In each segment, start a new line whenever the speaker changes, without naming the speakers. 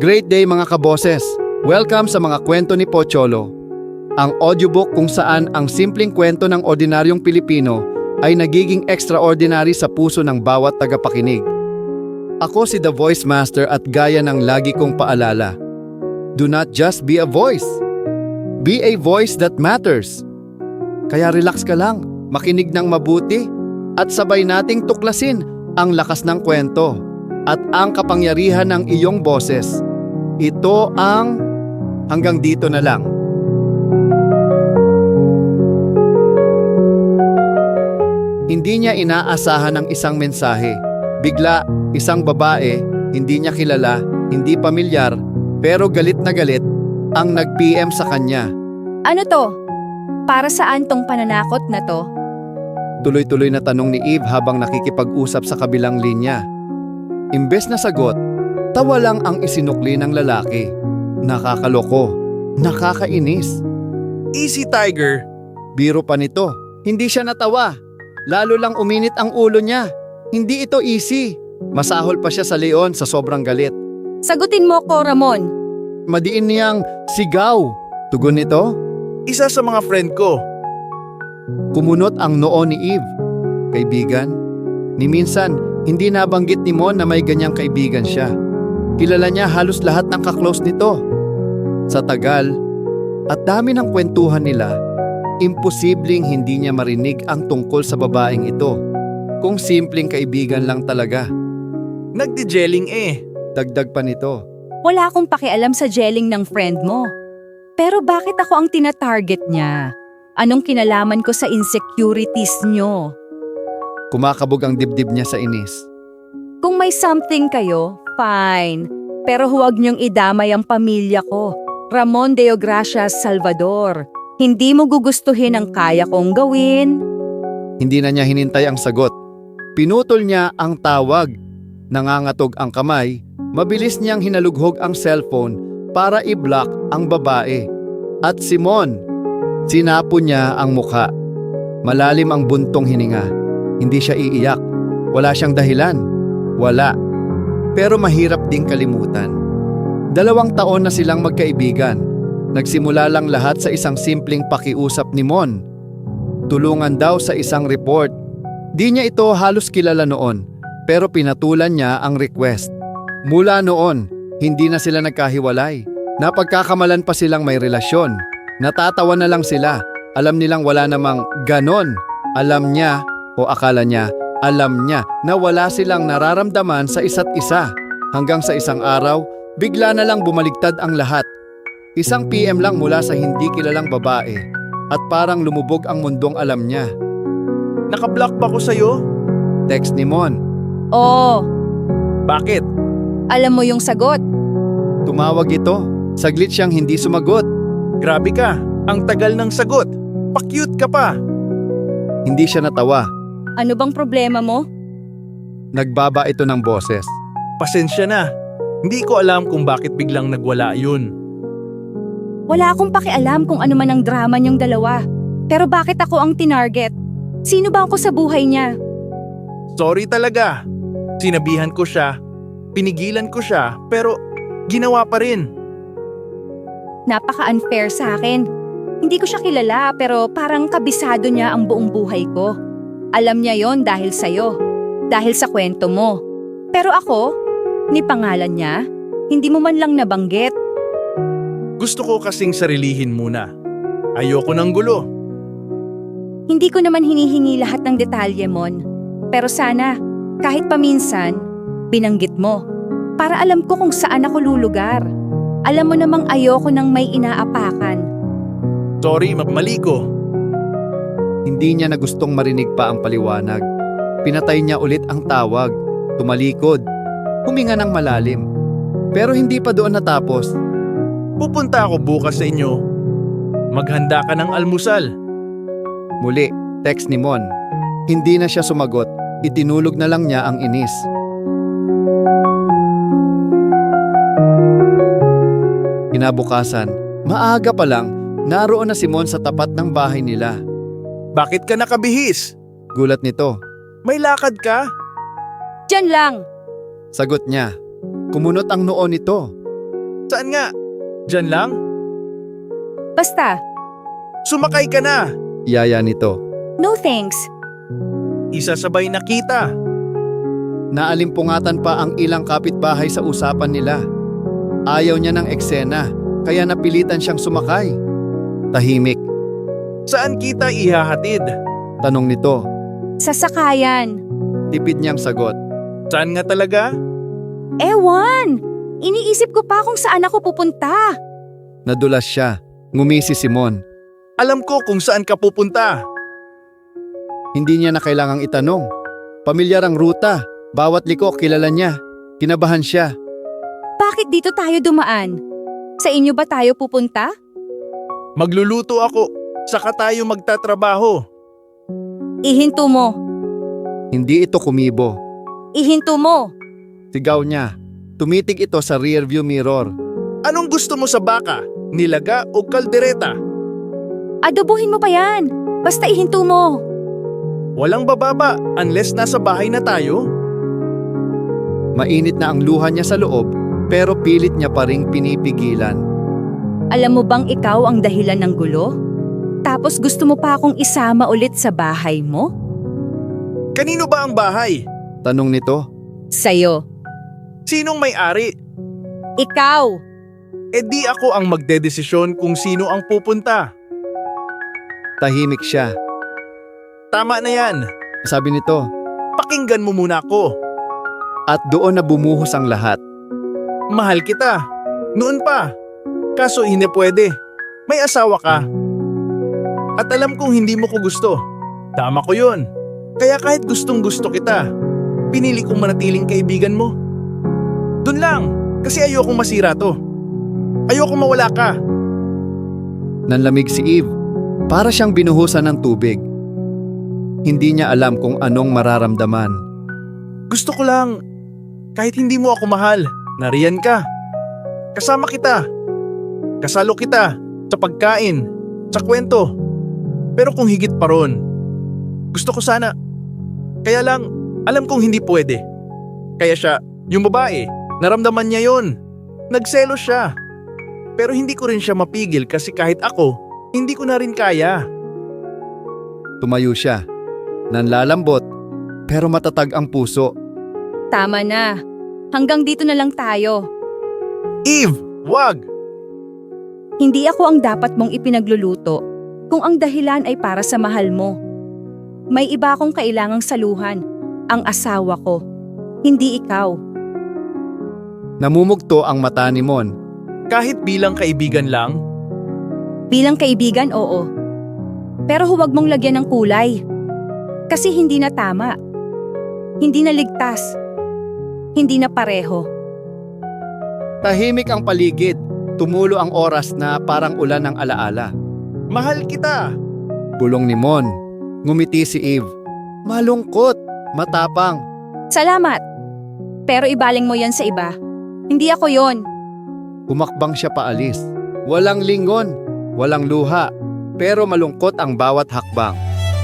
Great day mga kaboses! Welcome sa mga kwento ni Pocholo. Ang audiobook kung saan ang simpleng kwento ng ordinaryong Pilipino ay nagiging extraordinary sa puso ng bawat tagapakinig. Ako si The Voice Master at gaya ng lagi kong paalala. Do not just be a voice. Be a voice that matters. Kaya relax ka lang, makinig ng mabuti at sabay nating tuklasin ang lakas ng kwento at ang kapangyarihan ng iyong boses. Ito ang hanggang dito na lang. Hindi niya inaasahan ang isang mensahe. Bigla, isang babae, hindi niya kilala, hindi pamilyar, pero galit na galit, ang nag-PM sa kanya.
Ano to? Para saan tong pananakot na to?
Tuloy-tuloy na tanong ni Eve habang nakikipag-usap sa kabilang linya. Imbes na sagot, tawa lang ang isinukli ng lalaki. Nakakaloko, nakakainis.
Easy, Tiger.
Biro pa nito, hindi siya natawa. Lalo lang uminit ang ulo niya. Hindi ito easy. Masahol pa siya sa leon sa sobrang galit.
Sagutin mo ko, Ramon.
Madiin niyang sigaw. Tugon nito,
Isa sa mga friend ko.
kumunot ang noo ni Eve. Kaibigan? Ni minsan, hindi nabanggit ni Mon na may ganyang kaibigan siya. Kilala niya halos lahat ng kaklose nito. Sa tagal, at dami ng kwentuhan nila, imposibleng hindi niya marinig ang tungkol sa babaeng ito. Kung simpleng kaibigan lang talaga.
Nagdi-gelling eh.
Dagdag pa nito.
Wala akong pakialam sa gelling ng friend mo. Pero bakit ako ang tina-target niya? Anong kinalaman ko sa insecurities nyo?
Kumakabog ang dibdib niya sa inis.
Kung may something kayo, fine. Pero huwag niyong idamay ang pamilya ko. Ramon Deogracias Salvador. Hindi mo gugustuhin ang kaya kong gawin.
Hindi na niya hinintay ang sagot. Pinutol niya ang tawag. Nangangatog ang kamay, mabilis niyang hinalughog ang cellphone para i-block ang babae. At Simon, sinapo niya ang mukha. Malalim ang buntong hininga. Hindi siya iiyak. Wala siyang dahilan. Wala. Pero mahirap ding kalimutan. 2 taon na silang magkaibigan. Nagsimula lang lahat sa isang simpleng pakiusap ni Mon. Tulungan daw sa isang report. Di niya ito halos kilala noon, pero pinatulan niya ang request. Mula noon, hindi na sila nagkahiwalay. Napagkakamalan pa silang may relasyon. Natatawa na lang sila. Alam nilang wala namang ganon. Alam niya, o akala niya, alam niya na wala silang nararamdaman sa isa't isa. Hanggang sa isang araw, bigla na lang bumaligtad ang lahat. Isang PM lang mula sa hindi kilalang babae at parang lumubog ang mundong alam niya.
Nakablock ba ko sa'yo?
Text ni Mon.
Oh,
Bakit?
alam mo yung sagot.
Tumawag ito. Saglit siyang hindi sumagot.
Grabe ka. Ang tagal ng sagot. Pa-cute ka pa.
Hindi siya natawa.
Ano bang problema mo?
Nagbaba ito ng boses.
Pasensya na. Hindi ko alam kung bakit biglang nagwala yun.
Wala akong pakialam kung ano man ang drama niyong dalawa. Pero bakit ako ang tinarget? Sino ba ako sa buhay niya?
Sorry talaga. Sinabihan ko siya. Pinigilan ko siya. Pero ginawa pa rin.
Napaka-unfair sa akin. Hindi ko siya kilala pero parang kabisado niya ang buong buhay ko. Alam niya yon dahil sa'yo. Dahil sa kwento mo. Pero ako, ni pangalan niya, hindi mo man lang nabanggit.
Gusto ko kasing sarilihin muna. Ayoko ng gulo.
Hindi ko naman hinihingi lahat ng detalye, Mon. Pero sana, kahit paminsan, binanggit mo. Para alam ko kung saan ako lulugar. Alam mo namang ayoko nang may inaapakan.
Sorry, mali ko.
Hindi niya na gustong marinig pa ang paliwanag. Pinatay niya ulit ang tawag. Tumalikod. Huminga ng malalim. Pero hindi pa doon natapos.
Pupunta ako bukas sa inyo. Maghanda ka ng almusal.
Muli, text ni Mon. Hindi na siya sumagot. Itinulog na lang niya ang inis. Kinabukasan, maaga pa lang, naroon na si Mon sa tapat ng bahay nila.
Bakit ka nakabihis?
Gulat nito.
May lakad ka?
Diyan lang!
Sagot niya. Kumunot ang noo nito.
Saan nga? Diyan lang?
Basta,
Sumakay ka na!
Yaya nito.
no thanks.
Isasabay na kita.
Naalimpungatan pa ang ilang kapitbahay sa usapan nila. Ayaw niya ng eksena, kaya napilitan siyang sumakay. Tahimik,
Saan kita ihahatid?
tanong nito.
Sasakayan.
Tipid niyang sagot.
Saan nga talaga?
Ewan! Iniisip ko pa kung saan ako pupunta.
Nadulas siya. Ngumisi si Mon.
Alam ko kung saan ka pupunta.
Hindi niya na kailangang itanong. Pamilyar ang ruta. Bawat liko kilala niya. Kinabahan siya.
Bakit dito tayo dumaan? Sa inyo ba tayo pupunta?
Magluluto ako. Saka tayo magtatrabaho.
Ihinto mo.
Hindi ito kumibo.
Ihinto mo.
Sigaw niya. Tumitig ito sa rearview mirror.
Anong gusto mo sa baka? Nilaga o kaldereta?
Adobohin mo pa yan. Basta ihinto mo.
Walang bababa unless nasa bahay na tayo.
Mainit na ang luha niya sa loob, pero pilit niya pa ring pinipigilan.
Alam mo bang ikaw ang dahilan ng gulo? Tapos gusto mo pa akong isama ulit sa bahay mo?
Kanino ba ang bahay?
Tanong nito.
Sa'yo.
Sinong may-ari?
Ikaw.
E di ako ang magdedesisyon kung sino ang pupunta.
Tahimik siya.
Tama na yan.
Sabi nito.
Pakinggan mo muna ako.
At doon na bumuhos ang lahat.
Mahal kita. Noon pa. Kaso hindi pwede. May asawa ka. At alam kong hindi mo ko gusto. Tama ko yun. Kaya kahit gustong gusto kita, pinili kong manatiling kaibigan mo. Doon lang. Kasi ayokong masira to. Ayokong mawala ka.
Nanlamig si Eve. Para siyang binuhusan ng tubig. Hindi niya alam kung anong mararamdaman.
Gusto ko lang, kahit hindi mo ako mahal, nariyan ka. Kasama kita. Kasalo kita sa pagkain, sa kwento. Pero kung higit pa ron, gusto ko sana. Kaya lang, alam kong hindi pwede. Kaya siya, yung babae, naramdaman niya yon. Nagselos siya. Pero hindi ko rin siya mapigil kasi kahit ako, hindi ko na rin kaya.
Tumayo siya. Nanlalambot, pero matatag ang puso.
Tama na. Hanggang dito na lang tayo.
Eve, wag!
Hindi ako ang dapat mong ipinagluluto kung ang dahilan ay para sa mahal mo. May iba akong kailangang saluhan, ang asawa ko, hindi ikaw.
Namumugto ang mata ni Mon.
Kahit bilang kaibigan lang,
Bilang kaibigan, oo. Pero huwag mong lagyan ng kulay. Kasi hindi na tama. Hindi na ligtas. Hindi na pareho.
Tahimik ang paligid. Tumulo ang oras na parang ulan ng alaala.
mahal kita.
Bulong ni Mon. Ngumiti si Eve. Malungkot, matapang.
Salamat. Pero ibaling mo yan sa iba. Hindi ako yon.
Humakbang siya paalis. Walang lingon, walang luha, pero malungkot ang bawat hakbang.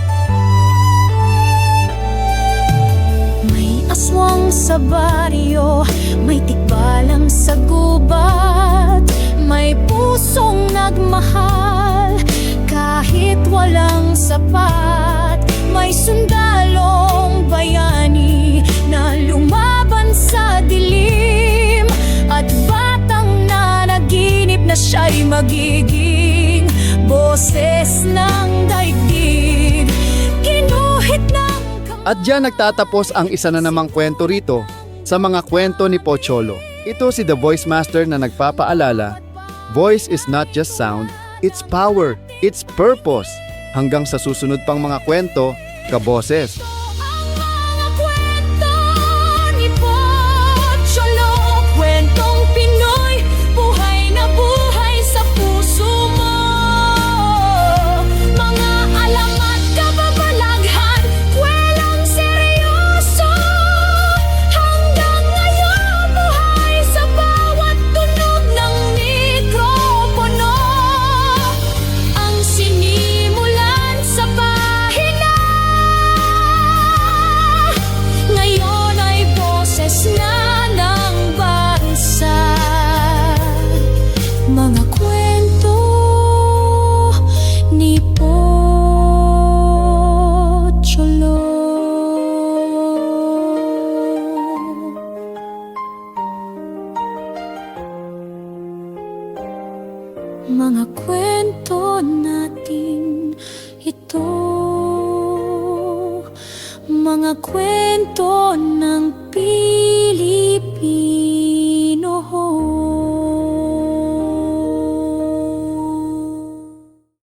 May aswang sa baryo, may tikbalang sa gubat, may pusong nagmahal, kahit walang sapat. May sundalong bayani na lumaban sa dilim, at batang nanaginip na siya'y magiging boses ng daigdig. Ginuhit ng
At diyan nagtatapos ang isa na namang kwento rito sa mga kwento ni Pocholo. Ito si The Voice Master na nagpapaalala, voice is not just sound, it's power, it's purpose. Hanggang sa susunod pang mga kwento, kaboses.
mga kwento natin ito, mga kwento ng Pilipino.